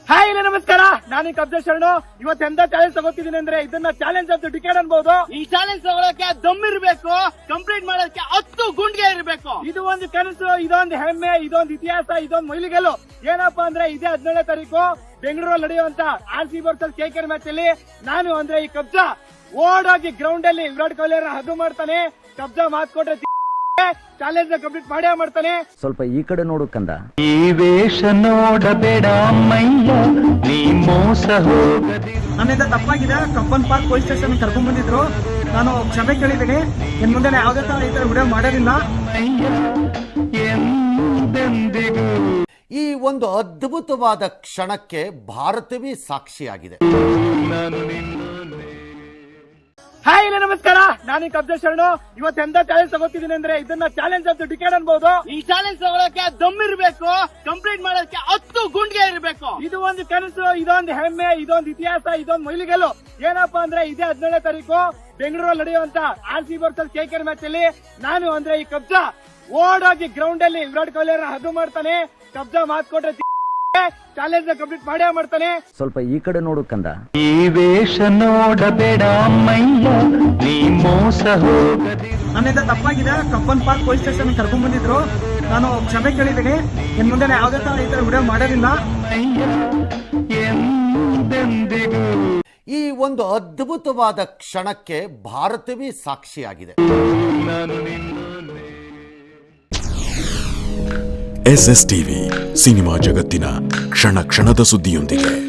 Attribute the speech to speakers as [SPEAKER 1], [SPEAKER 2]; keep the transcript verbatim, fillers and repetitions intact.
[SPEAKER 1] Hi ನಮಸ್ಕಾರ, ನಾನು ಕಬ್ಜಾ ಶರಣು. ಇವತ್ತು ಎಂತ ಚಾಲೆಂಜ್ ತಗೋತಿದ್ದೀನಿ ಅಂದ್ರೆ ಇದನ್ನ ಚಾಲೆಂಜ್ ಅಂತ ಡಿಕೇಡ್ ಅನ್ಬಹುದು. ಈ ಚಾಲೆಂಜ್ ತಗೊಳಕ್ಕೆ ದಮ್ ಇರಬೇಕು, ಕಂಪ್ಲೀಟ್ ಮಾಡೋಕೆ ಹತ್ತು ಗುಂಡ್ಗೆ ಇರಬೇಕು. ಇದು ಒಂದು ಕನಸು, ಇದೊಂದು ಹೆಮ್ಮೆ, ಇದೊಂದು ಇತಿಹಾಸ, ಇದೊಂದು ಮೈಲಿಗಲ್ಲು. ಏನಪ್ಪಾ ಅಂದ್ರೆ ಇದೇ ಹದಿನೇಳನೇ ತಾರೀಕು ಬೆಂಗಳೂರಲ್ಲಿ ನಡೆಯುವಂತ R C versus K K R match ಅಲ್ಲಿ ನಾನು ಅಂದ್ರೆ ಈ ಕಬ್ಜಾ ಓಡೋಗಿ ಗ್ರೌಂಡ್ ಅಲ್ಲಿ ವಿರಾಟ್ ಕೊಹ್ಲಿ ಅವರ ಹದ್ದು ಮಾಡ್ತಾನೆ. ಕಬ್ಜಾ ಮಾತ್ ಕೊಟ್ರೆ ಚಾಲೆಂಜ್ ಕಂಪ್ಲೀಟ್ ಮಾಡೇ ಮಾಡ್ತಾನೆ.
[SPEAKER 2] ಸ್ವಲ್ಪ ಈ ಕಡೆ ನೋಡು ಕಂದ.
[SPEAKER 3] ಈ ವೇಷ ನೋಡಬೇಡ ಮೈಯ, ನೀ ಮೋಸ ಹೋಗದಿ.
[SPEAKER 1] ನನ್ನಿಂದ ತಪ್ಪಾಗಿದೆ. ಕಬ್ಬನ್ ಪಾರ್ಕ್ ಪೊಲೀಸ್ ಸ್ಟೇಷನ್ ಕರ್ಕೊಂಡ್ ಬಂದಿದ್ರು. ನಾನು ಕ್ಷಮೆ ಕೇಳಿದ್ದೀನಿ. ಇನ್ ಮುಂದೆ ಯಾವುದೇ ತರ ಈ ತರ ವಿಡಿಯೋ ಮಾಡೋದಿಲ್ಲ.
[SPEAKER 3] ಎಂದೆಂದಿಗೂ
[SPEAKER 4] ಈ ಒಂದು ಅದ್ಭುತವಾದ ಕ್ಷಣಕ್ಕೆ ಭಾರತವೇ ಸಾಕ್ಷಿಯಾಗಿದೆ.
[SPEAKER 3] ನಾನು ನಿನ್ನ
[SPEAKER 1] ಹಾಯ್ ನಮಸ್ಕಾರ, ನಾನು ಕಬ್ಜಾ ಶರಣು. ಇವತ್ತು ಎಂತ ಚಾಲೆಂಜ್ ತಗೋತಿದ್ದೀನಿ ಅಂದ್ರೆ ಇದನ್ನ ಚಾಲೆಂಜ್ ಅಂತ ಡಿಕೇಡ್ ಅನ್ಬಹುದು. ಈ ಚಾಲೆಂಜ್ ತಗೊಳಕ್ಕೆ ದಮ್ ಇರಬೇಕು, ಕಂಪ್ಲೀಟ್ ಮಾಡೋಕೆ ಹತ್ತು ಗುಂಡ್ಗೆ ಇರಬೇಕು. ಇದು ಒಂದು ಕನಸು, ಇದೊಂದು ಹೆಮ್ಮೆ, ಇದೊಂದು ಇತಿಹಾಸ, ಇದೊಂದು ಮೈಲಿಗಲ್ಲು. ಏನಪ್ಪಾ ಅಂದ್ರೆ ಇದೇ ಹದಿನೇಳನೇ ತಾರೀಕು ಬೆಂಗಳೂರಲ್ಲಿ ನಡೆಯುವಂತ R C versus K K R match ಅಲ್ಲಿ ನಾನು ಅಂದ್ರೆ ಈ ಕಬ್ಜಾ ಓಡೋಗಿ ಗ್ರೌಂಡ್ ಅಲ್ಲಿ ವಿರಾಟ್ ಕೊಹ್ಲಿ ಅವರ ಹದ್ದು ಮಾಡ್ತಾನೆ. ಕಬ್ಜಾ ಮಾತ್ ಕೊಟ್ರೆ ಚಾಲೆಂಜ್ ಕಂಪ್ಲೀಟ್ ಮಾಡೇ ಮಾಡ್ತಾನೆ.
[SPEAKER 2] ಸ್ವಲ್ಪ ಈ ಕಡೆ ನೋಡು ಕಂದ.
[SPEAKER 3] ಈ ವೇಷ ನೋಡಬೇಡ ಮೈಯ, ನೀ ಮೋಸ ಹೋಗದಿ.
[SPEAKER 1] ನನ್ನಿಂದ ತಪ್ಪಾಗಿದೆ. ಕಬ್ಬನ್ ಪಾರ್ಕ್ ಪೊಲೀಸ್ ಸ್ಟೇಷನ್ ಕರ್ಕೊಂಡ್ ಬಂದಿದ್ರು. ನಾನು ಕ್ಷಮೆ ಕೇಳಿದ್ದೀನಿ. ಇನ್ ಮುಂದೆ ಯಾವುದೇ ತರ ಈ ತರ ವಿಡಿಯೋ ಮಾಡೋದಿಲ್ಲ.
[SPEAKER 3] ಎಂದೆಂದಿಗೂ
[SPEAKER 4] ಈ ಒಂದು ಅದ್ಭುತವಾದ ಕ್ಷಣಕ್ಕೆ ಭಾರತವೇ ಸಾಕ್ಷಿಯಾಗಿದೆ.
[SPEAKER 3] ನಾನು ನಿನ್ನ
[SPEAKER 5] ಎಸ್ ಎಸ್ ಟಿವಿ ಸಿನಿಮಾ ಜಗತ್ತಿನ ಕ್ಷಣ ಕ್ಷಣದ ಸುದ್ದಿಯೊಂದಿಗೆ.